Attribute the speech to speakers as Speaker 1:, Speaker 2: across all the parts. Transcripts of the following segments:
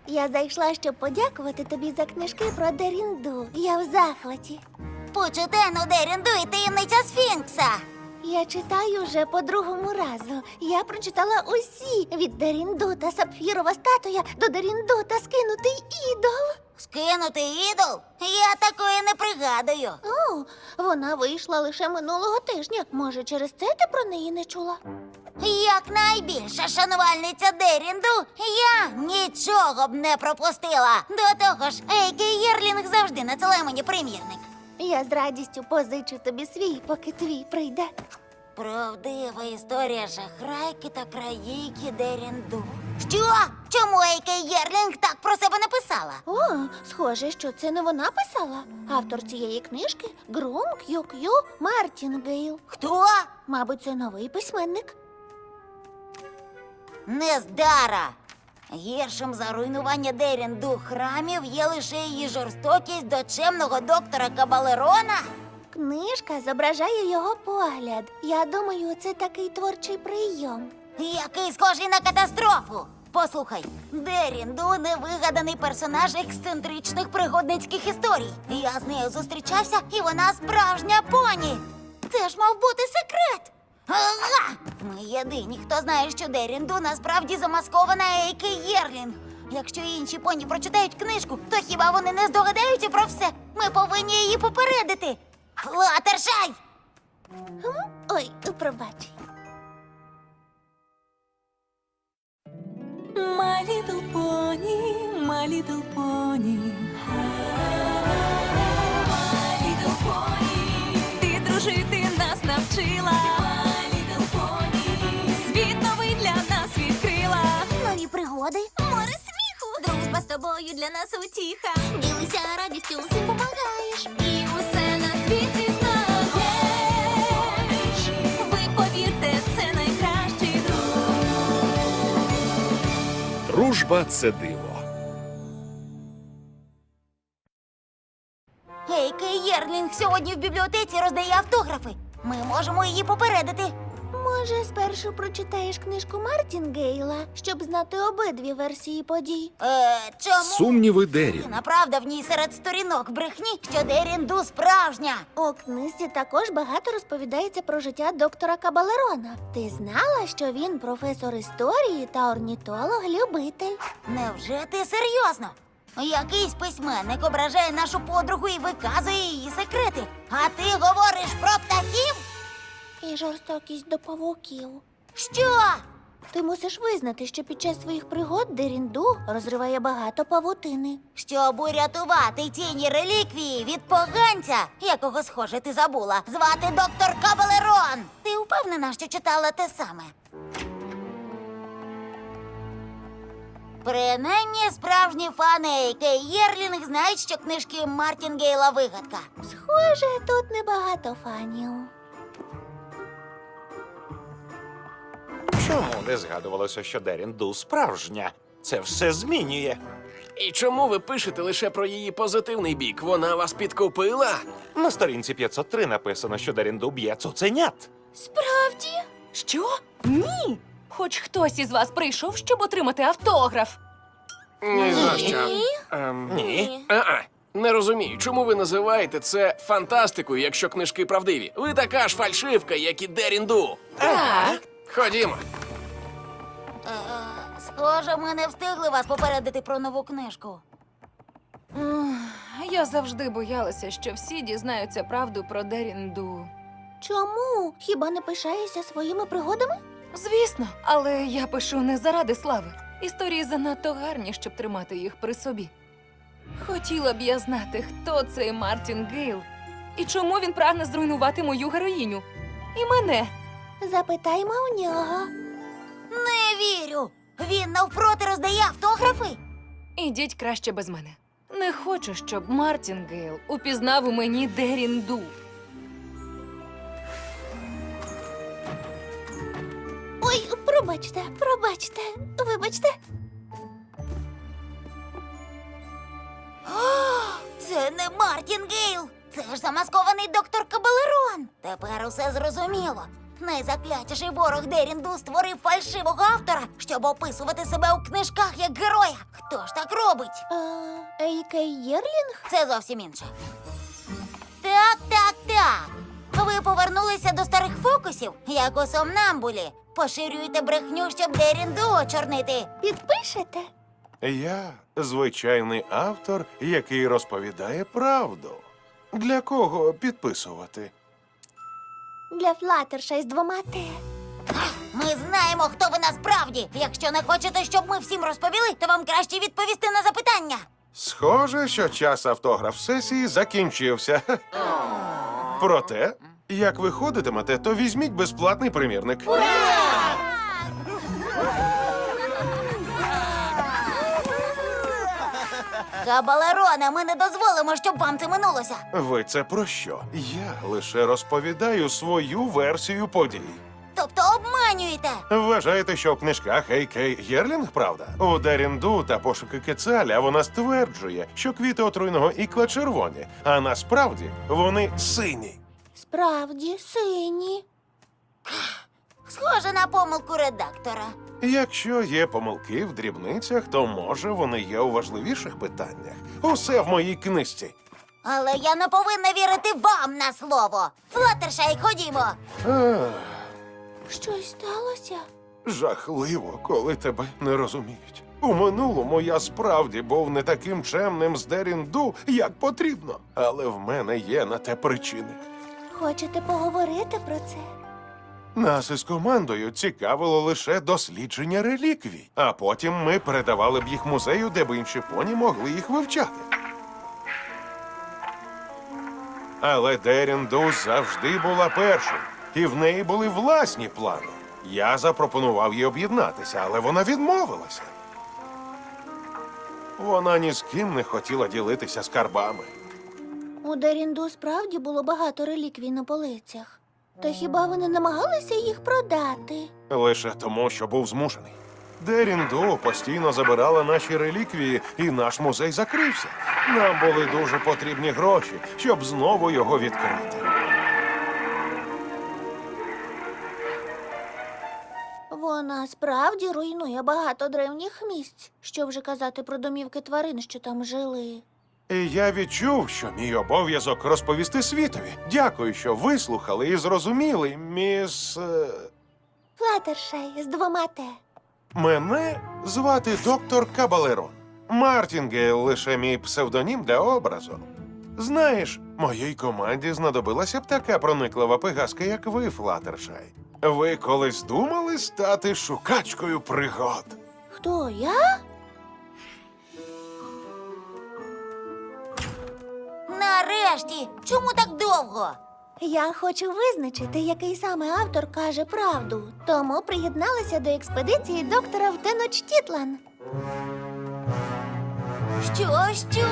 Speaker 1: Я зайшла, щоб подякувати тобі за книжки про Дерінду. Я в захваті.
Speaker 2: Почетену Дерінду і таємниця Сфінкса.
Speaker 1: Я читаю вже по другому разу. Я прочитала усі від Дерінду та Сапфірова статуя до Дерінду та скинутий ідол.
Speaker 2: Скинути ідол? Я такої не пригадую.
Speaker 1: О, вона вийшла лише минулого тижня. Може, через це ти про неї не чула?
Speaker 2: Як найбільша шанувальниця Дерінду, я нічого б не пропустила. До того ж, Ейкі Єрлінг завжди надсилає мені примірник.
Speaker 1: Я з радістю позичу тобі свій, поки твій прийде.
Speaker 2: Правдива історія шахрайки та країки Дерінду. Що? Чому Ейкі Єрлінг так про себе написала?
Speaker 1: О, схоже, що це не вона писала. Автор цієї книжки – Грум К'ю-К'ю Мартінгейл.
Speaker 2: Хто?
Speaker 1: Мабуть, це новий письменник.
Speaker 2: Нездара. Гіршим за руйнування Дерінду храмів є лише її жорстокість до чемного доктора Кабалерона.
Speaker 1: Книжка зображає його погляд. Я думаю, це такий творчий прийом.
Speaker 2: Який схожий на катастрофу. Послухай, Дерінду – невигаданий персонаж ексцентричних пригодницьких історій. Я з нею зустрічався, і вона справжня поні. Це ж мав бути секрет. Ага! Ми єдині, хто знає, що Дерінду насправді замаскована Ейкі Єрлінг. Якщо інші поні прочитають книжку, то хіба вони не здогадаються про все? Ми повинні її попередити. Флаттершай!
Speaker 1: Ой, пробач.
Speaker 3: My little pony, my little pony. My little pony. Ти дружити нас навчила. My little pony. Світ новий для нас відкрила.
Speaker 2: Нові пригоди.
Speaker 3: Море сміху. Дружба з тобою для нас утіха.
Speaker 2: Ділися радістю, всім помагаєш.
Speaker 3: І усе на світі знаєш. Ви повірте, це найкращий друг.
Speaker 4: Дружба – це диво.
Speaker 2: Ейкі Єрлінг сьогодні в бібліотеці роздає автографи. Ми можемо її попередити.
Speaker 1: Може, спершу прочитаєш книжку Мартінгейла, щоб знати обидві версії подій?
Speaker 2: Чому?
Speaker 4: Сумніви Дерін.
Speaker 2: Направда в ній серед сторінок брехні, що Дерінду справжня.
Speaker 1: У книзі також багато розповідається про життя доктора Кабалерона. Ти знала, що він професор історії та орнітолог-любитель?
Speaker 2: Невже ти серйозно? Якийсь письменник ображає нашу подругу і виказує її секрети. А ти говориш про птахів?
Speaker 1: І жорстокість до павуків.
Speaker 2: Що?
Speaker 1: Ти мусиш визнати, що під час своїх пригод Дерінду розриває багато павутини.
Speaker 2: Щоб урятувати тіні реліквії від поганця, якого, схоже, ти забула, звати доктор Кабалерон. Ти впевнена, що читала те саме? Принаймні, справжні фани Ейкі Єрлінг знають, що книжки Мартінгейла вигадка.
Speaker 1: Схоже, тут небагато фанів.
Speaker 5: Чому не згадувалося, що Дерінду справжня? Це все змінює.
Speaker 6: І чому ви пишете лише про її позитивний бік? Вона вас підкупила?
Speaker 5: На сторінці 503 написано, що Дерінду б'є цуценят.
Speaker 3: Справді? Що? Ні. Хоч хтось із вас прийшов, щоб отримати автограф.
Speaker 6: Ні за що.
Speaker 5: Ні.
Speaker 6: Не розумію, чому ви називаєте це фантастикою, якщо книжки правдиві? Ви така ж фальшивка, як і Дерінду.
Speaker 3: Так.
Speaker 6: Ходімо.
Speaker 2: Схоже, ми не встигли вас попередити про нову книжку.
Speaker 7: Я завжди боялася, що всі дізнаються правду про Дерінду.
Speaker 1: Чому? Хіба не пишаєшся своїми пригодами?
Speaker 7: Звісно, але я пишу не заради слави. Історії занадто гарні, щоб тримати їх при собі. Хотіла б я знати, хто цей Мартінгейл і чому він прагне зруйнувати мою героїню. І мене.
Speaker 1: Запитаймо у нього.
Speaker 2: Не вірю! Він навпроти роздає автографи?
Speaker 7: Ідіть краще без мене. Не хочу, щоб Мартінгейл упізнав у мені Дерінду.
Speaker 1: Ой, пробачте, вибачте.
Speaker 2: Це не Мартінгейл! Це ж замаскований доктор Кабалерон! Тепер усе зрозуміло. Найзаклятіший ворог Дерінду створив фальшивого автора, щоб описувати себе у книжках як героя. Хто ж так робить?
Speaker 1: Ейкей Єрлінг?
Speaker 2: Це зовсім інше. Так. Ви повернулися до старих фокусів, як у сомнамбулі. Поширюєте брехню, щоб Дерінду очорнити.
Speaker 1: Підпишете?
Speaker 8: Я звичайний автор, який розповідає правду. Для кого підписувати?
Speaker 1: Для Флаттершай з 2 Т.
Speaker 2: Ми знаємо, хто ви насправді. Якщо не хочете, щоб ми всім розповіли, то вам краще відповісти на запитання.
Speaker 8: Схоже, що час автограф-сесії закінчився. Проте, як ви ходитимете, то візьміть безплатний примірник.
Speaker 2: Кабалероне, ми не дозволимо, щоб вам це минулося.
Speaker 8: Ви це про що? Я лише розповідаю свою версію подій.
Speaker 2: Тобто обманюєте.
Speaker 8: Вважаєте, що в книжках Ейкей Єрлінг, правда? У Дерінду та пошуки Кецаля вона стверджує, що квіти отруйного ікла червоні, а насправді вони сині.
Speaker 1: Справді, сині.
Speaker 2: Схоже на помилку редактора.
Speaker 8: Якщо є помилки в дрібницях, то може вони є у важливіших питаннях. Усе в моїй книжці.
Speaker 2: Але я не повинна вірити вам на слово. Флаттершай, ходімо.
Speaker 1: Щось сталося?
Speaker 8: Жахливо, коли тебе не розуміють. У минулому я справді був не таким чемним з Дерінду, як потрібно. Але в мене є на те причини.
Speaker 1: Хочете поговорити про це?
Speaker 8: Нас із командою цікавило лише дослідження реліквій, а потім ми передавали б їх музею, де б інші поні могли їх вивчати. Але Дерінду завжди була першою, і в неї були власні плани. Я запропонував їй об'єднатися, але вона відмовилася. Вона ні з ким не хотіла ділитися скарбами.
Speaker 1: У Дерінду справді було багато реліквій на полицях. Та хіба ви не намагалися їх продати?
Speaker 8: Лише тому, що був змушений. Дерінду постійно забирала наші реліквії, і наш музей закрився. Нам були дуже потрібні гроші, щоб знову його відкрити.
Speaker 1: Вона справді руйнує багато древніх місць. Що вже казати про домівки тварин, що там жили.
Speaker 8: І я відчув, що мій обов'язок розповісти світові. Дякую, що вислухали і зрозуміли, міс...
Speaker 1: Флаттершай з 2 Т.
Speaker 8: Мене звати доктор Кабалерон. Мартінгейл лише мій псевдонім для образу. Знаєш, моїй команді знадобилася б така прониклива пигаска, як ви, Флаттершай. Ви колись думали стати шукачкою пригод?
Speaker 1: Хто, я?
Speaker 2: Нарешті! Чому так довго?
Speaker 1: Я хочу визначити, який саме автор каже правду. Тому приєдналася до експедиції доктора в Теночтітлан.
Speaker 2: Що?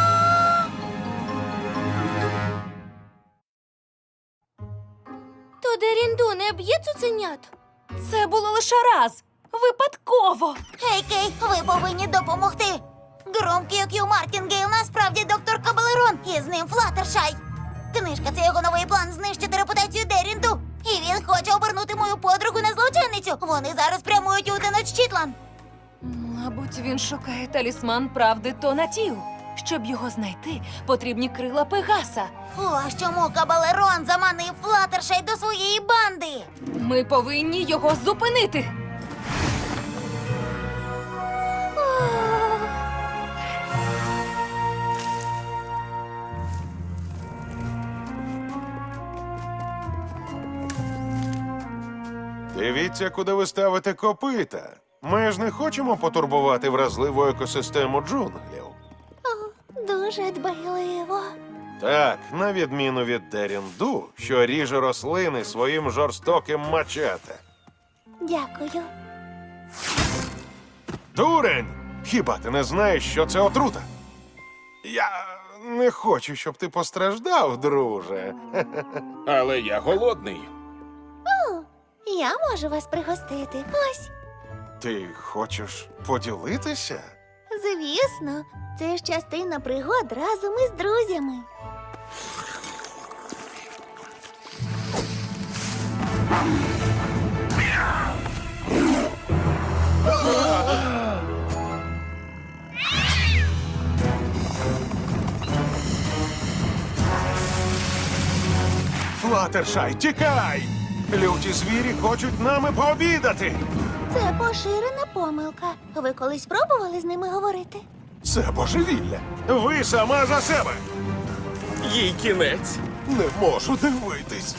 Speaker 1: То Дерінду не б'є цуценят?
Speaker 7: Це було лише раз. Випадково.
Speaker 2: Ейкей, ви повинні допомогти. Громкий К'ю Мартінгейл насправді доктор Кабалерон, і з ним Флаттершай. Книжка – це його новий план знищити репутацію Дерінду. І він хоче обернути мою подругу на злочинницю. Вони зараз прямують у Теночтітлан.
Speaker 7: Мабуть, він шукає талісман правди Тонатію. Щоб його знайти, потрібні крила Пегаса.
Speaker 2: Ось чому Кабалерон заманив Флаттершай до своєї банди.
Speaker 7: Ми повинні його зупинити.
Speaker 8: Дивіться, куди ви ставите копита. Ми ж не хочемо потурбувати вразливу екосистему джунглів.
Speaker 1: Дуже дбайливо.
Speaker 8: Так, на відміну від Дерінду, що ріже рослини своїм жорстоким мачете.
Speaker 1: Дякую.
Speaker 8: Дурень! Хіба ти не знаєш, що це отрута? Я не хочу, щоб ти постраждав, друже.
Speaker 4: Але я голодний.
Speaker 1: Я можу вас пригостити. Ось.
Speaker 8: Ти хочеш поділитися?
Speaker 1: Звісно, це ж частина пригод разом із друзями.
Speaker 8: Флаттершай, тікай! Люті звірі хочуть нами пообідати!
Speaker 1: Це поширена помилка. Ви колись пробували з ними говорити?
Speaker 8: Це божевілля! Ви сама за себе!
Speaker 6: Їй кінець.
Speaker 8: Не можу дивитись!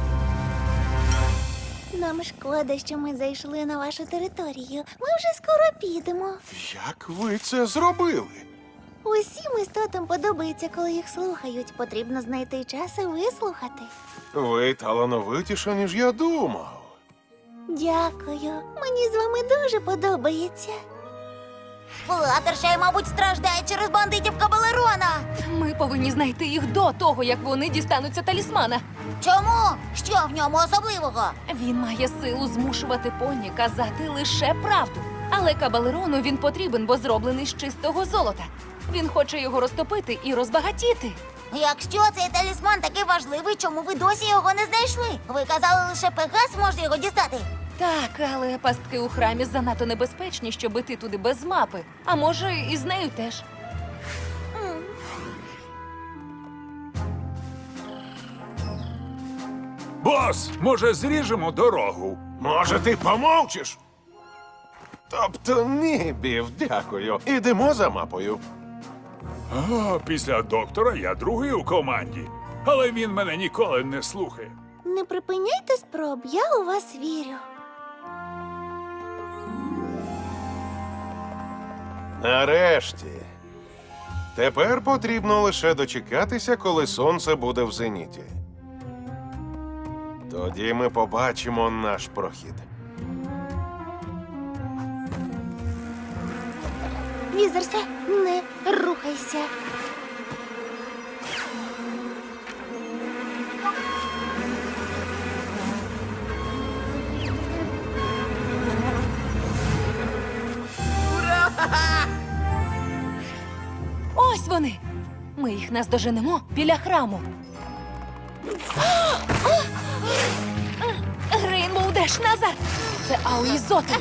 Speaker 1: Нам шкода, що ми зайшли на вашу територію. Ми вже скоро підемо.
Speaker 8: Як ви це зробили?
Speaker 1: Усім істотам подобається, коли їх слухають. Потрібно знайти час і вислухати.
Speaker 8: Ви талановитіша, ніж я думав.
Speaker 1: Дякую. Мені з вами дуже подобається.
Speaker 2: Флаттершай, мабуть, страждає через бандитів Кабалерона.
Speaker 7: Ми повинні знайти їх до того, як вони дістануться талісмана.
Speaker 2: Чому? Що в ньому особливого?
Speaker 7: Він має силу змушувати поні казати лише правду. Але Кабалерону він потрібен, бо зроблений з чистого золота. Він хоче його розтопити і розбагатіти.
Speaker 2: Якщо цей талісман такий важливий, чому ви досі його не знайшли? Ви казали, лише Пегас може його дістати.
Speaker 7: Так, але пастки у храмі занадто небезпечні, щоб іти туди без мапи. А може, і з нею теж.
Speaker 4: Бос, може, зріжемо дорогу?
Speaker 8: Може, ти помовчиш? Тобто ні, Бів, дякую. Ідемо за мапою.
Speaker 4: А, після доктора я другий у команді. Але він мене ніколи не слухає.
Speaker 1: Не припиняйте спроб, я у вас вірю.
Speaker 8: Нарешті. Тепер потрібно лише дочекатися, коли сонце буде в зеніті. Тоді ми побачимо наш прохід.
Speaker 1: Візерсе, не рухайся.
Speaker 7: Ось вони! Ми їх наздоженемо біля храму. Рейнбоу Деш, назад! Це Ауїзоти.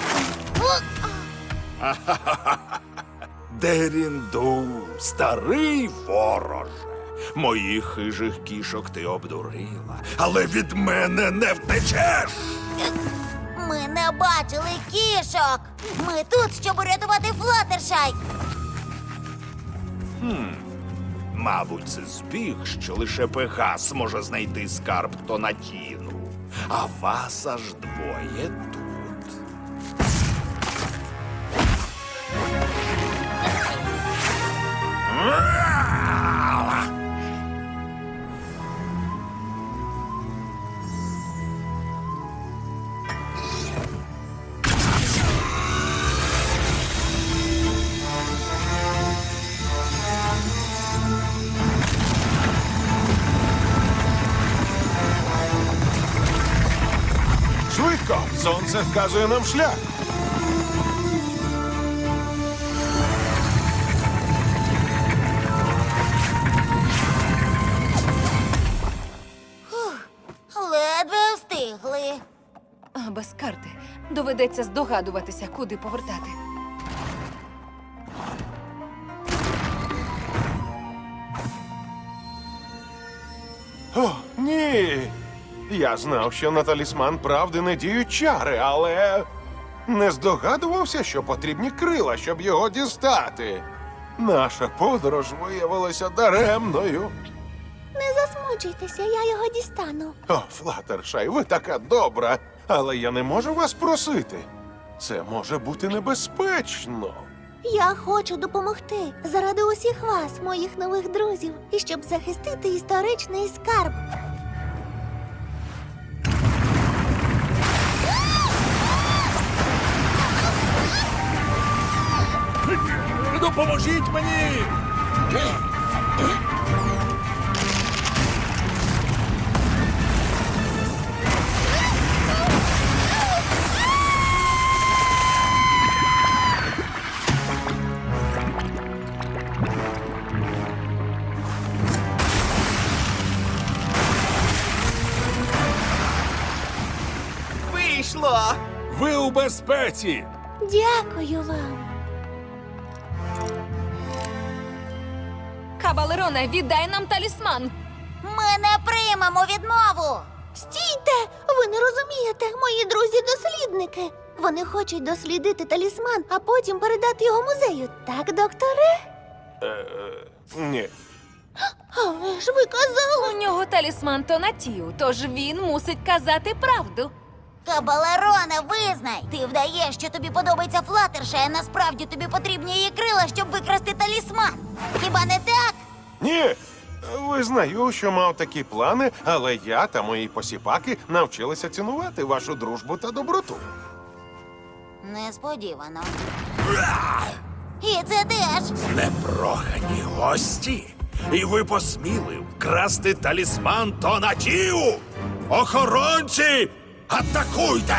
Speaker 9: Дерінду, старий вороже, моїх хижих кішок ти обдурила, але від мене не втечеш.
Speaker 2: Ми не бачили кішок. Ми тут, щоб урятувати Флаттершай.
Speaker 9: Мабуть, це збіг, що лише Пегас може знайти скарб Тонатіну, а вас аж двоє тут.
Speaker 8: Швидко! Сонце вказує нам шлях.
Speaker 2: Ледве встигли.
Speaker 7: А без карти доведеться здогадуватися, куди повертати.
Speaker 8: О, ні! Я знав, що на талісман правди не діють чари, але не здогадувався, що потрібні крила, щоб його дістати. Наша подорож виявилася даремною.
Speaker 1: Не засмучуйтеся, я його дістану.
Speaker 8: О, Флаттершай, ви така добра, але я не можу вас просити. Це може бути небезпечно.
Speaker 1: Я хочу допомогти заради усіх вас, моїх нових друзів, і щоб захистити історичний скарб.
Speaker 4: Допоможіть мені!
Speaker 9: повезло!
Speaker 4: Ви у безпеці!
Speaker 1: Дякую вам.
Speaker 7: Кабалероне, віддай нам талісман.
Speaker 2: Ми не приймемо відмову.
Speaker 1: Стійте! Ви не розумієте, мої друзі-дослідники. Вони хочуть дослідити талісман, а потім передати його музею. Так, докторе?
Speaker 8: Ні.
Speaker 1: Але ж ви казали.
Speaker 7: У нього талісман Тонатію, тож він мусить казати правду.
Speaker 2: Кабалероне, визнай! Ти вдаєш, що тобі подобається Флаттершай, а насправді тобі потрібні її крила, щоб викрасти талісман. Хіба не так?
Speaker 8: Ні. Визнаю, що мав такі плани, але я та мої посіпаки навчилися цінувати вашу дружбу та доброту.
Speaker 2: Несподівано. І це теж.
Speaker 9: Непрохані гості! І ви посміли вкрасти талісман Тонатію! Охоронці! Атакуйте!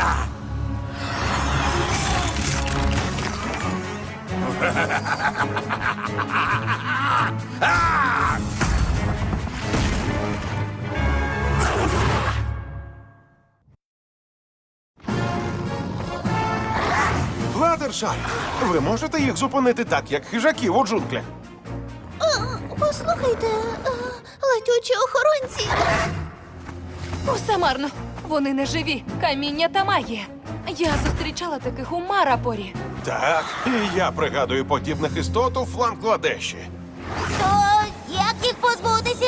Speaker 8: Флаттершай, ви можете їх зупинити так, як хижаків у джунглях?
Speaker 1: Послухайте, летючі охоронці.
Speaker 7: Усе марно. Вони не живі. Каміння та магія. Я зустрічала таких у Марапорі.
Speaker 8: Так, і я пригадую подібних істот у Фланкладеші.
Speaker 2: То як їх позбутися?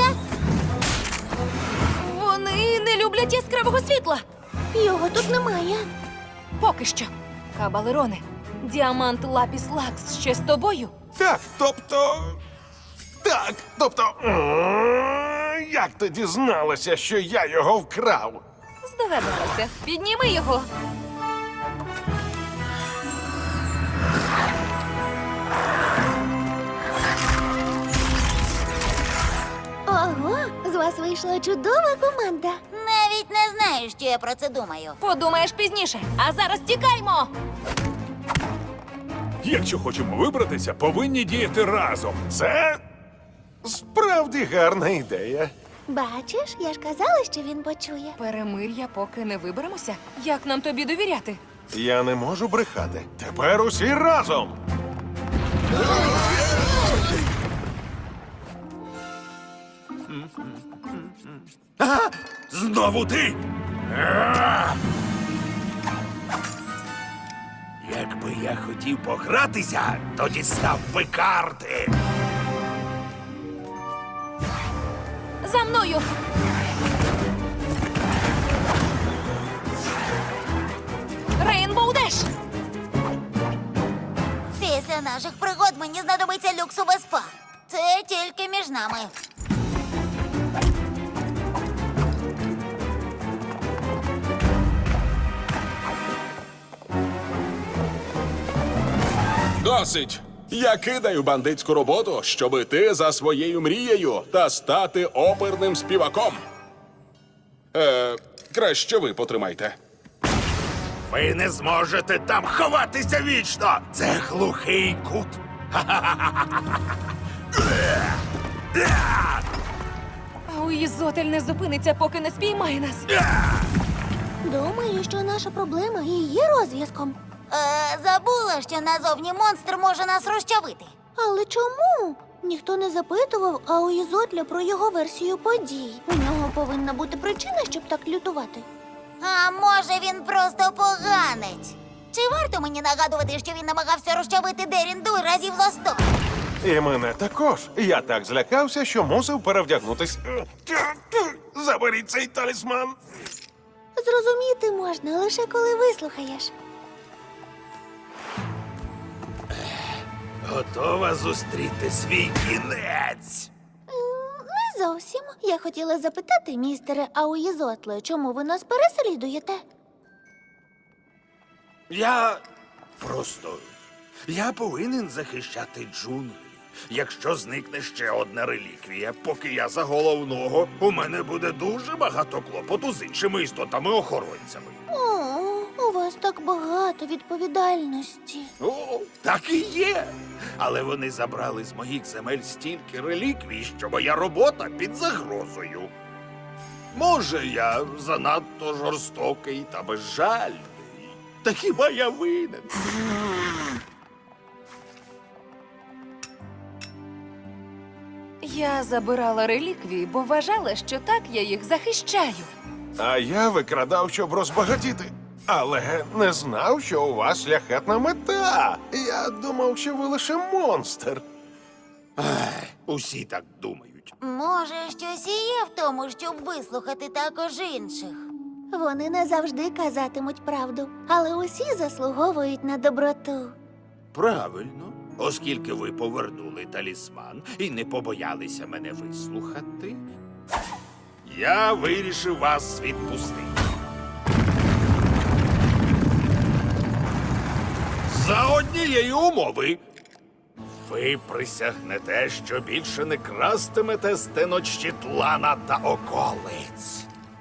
Speaker 7: Вони не люблять яскравого світла.
Speaker 1: Його тут немає.
Speaker 7: Поки що. Кабалероне, діамант Лапіс Лакс ще з тобою?
Speaker 8: Так, тобто. Як ти дізналася, що я його вкрав?
Speaker 7: Здогадалася. Підніми його.
Speaker 1: Ого, з вас вийшла чудова команда.
Speaker 2: Навіть не знаю, що я про це думаю.
Speaker 7: Подумаєш пізніше. А зараз тікаймо.
Speaker 4: Якщо хочемо вибратися, повинні діяти разом.
Speaker 8: Це справді гарна ідея.
Speaker 1: Бачиш, я ж казала, що він почує.
Speaker 7: Перемир'я, поки не виберемося. Як нам тобі довіряти?
Speaker 8: Я не можу брехати. Тепер усі разом.
Speaker 9: Знову ти? Якби я хотів погратися, то дістав би карти.
Speaker 7: За мною! Рейнбоу Деш!
Speaker 2: Після наших пригод мені знадобиться люксове спа. Це тільки між нами.
Speaker 10: Досить! Я кидаю бандитську роботу, щоб іти за своєю мрією та стати оперним співаком. Краще ви потримайте.
Speaker 9: Ви не зможете там ховатися вічно. Це глухий кут.
Speaker 7: А у Ізотель не зупиниться, поки не спіймає нас.
Speaker 1: Думаю, що наша проблема і є розв'язком.
Speaker 2: Забула, що назовні монстр може нас розчавити.
Speaker 1: Але чому? Ніхто не запитував, а у Ізотля про його версію подій. У нього повинна бути причина, щоб так лютувати.
Speaker 2: А може він просто поганець? Чи варто мені нагадувати, що він намагався розчавити Дерінду разів за 100?
Speaker 8: І мене також. Я так злякався, що мусив перевдягнутись. Заберіть цей талісман.
Speaker 1: Зрозуміти можна лише коли вислухаєш.
Speaker 9: Готова зустріти свій кінець.
Speaker 1: Не зовсім. Я хотіла запитати, містере Ауїзотле, чому ви нас переслідуєте?
Speaker 9: Я повинен захищати джунглі. Якщо зникне ще одна реліквія, поки я за головного, у мене буде дуже багато клопоту з іншими істотами-охоронцями.
Speaker 1: О, у вас так багато відповідальності.
Speaker 9: О, так і є. Але вони забрали з моїх земель стільки реліквій, що моя робота під загрозою. Може, я занадто жорстокий та безжальний. Та хіба я винен?
Speaker 7: Я забирала реліквії, бо вважала, що так я їх захищаю.
Speaker 8: А я викрадав, щоб розбагатіти. Але не знав, що у вас шляхетна мета. Я думав, що ви лише монстр.
Speaker 9: Усі так думають.
Speaker 2: Може, щось і є в тому, щоб вислухати також інших.
Speaker 1: Вони не завжди казатимуть правду, але усі заслуговують на доброту.
Speaker 9: Правильно. Оскільки ви повернули талісман і не побоялися мене вислухати, я вирішив вас відпустити. За однієї умови. Ви присягнете, що більше не крастимете стеночтітлана та околиць.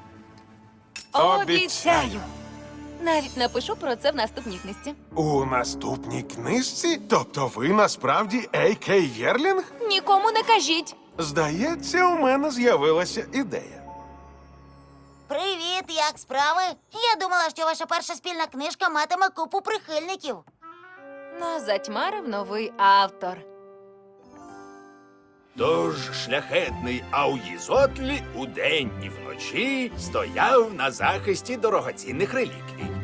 Speaker 7: Обіцяю! Навіть напишу про це в наступній книжці.
Speaker 8: У наступній книжці? Тобто ви насправді А.К. Єрлінг?
Speaker 7: Нікому не кажіть.
Speaker 8: Здається, у мене з'явилася ідея.
Speaker 2: Привіт, як справи? Я думала, що ваша перша спільна книжка матиме купу прихильників.
Speaker 7: Нас затьмарив новий автор.
Speaker 9: Тож шляхетний Ауїзотлі удень і вночі стояв на захисті дорогоцінних реліквій.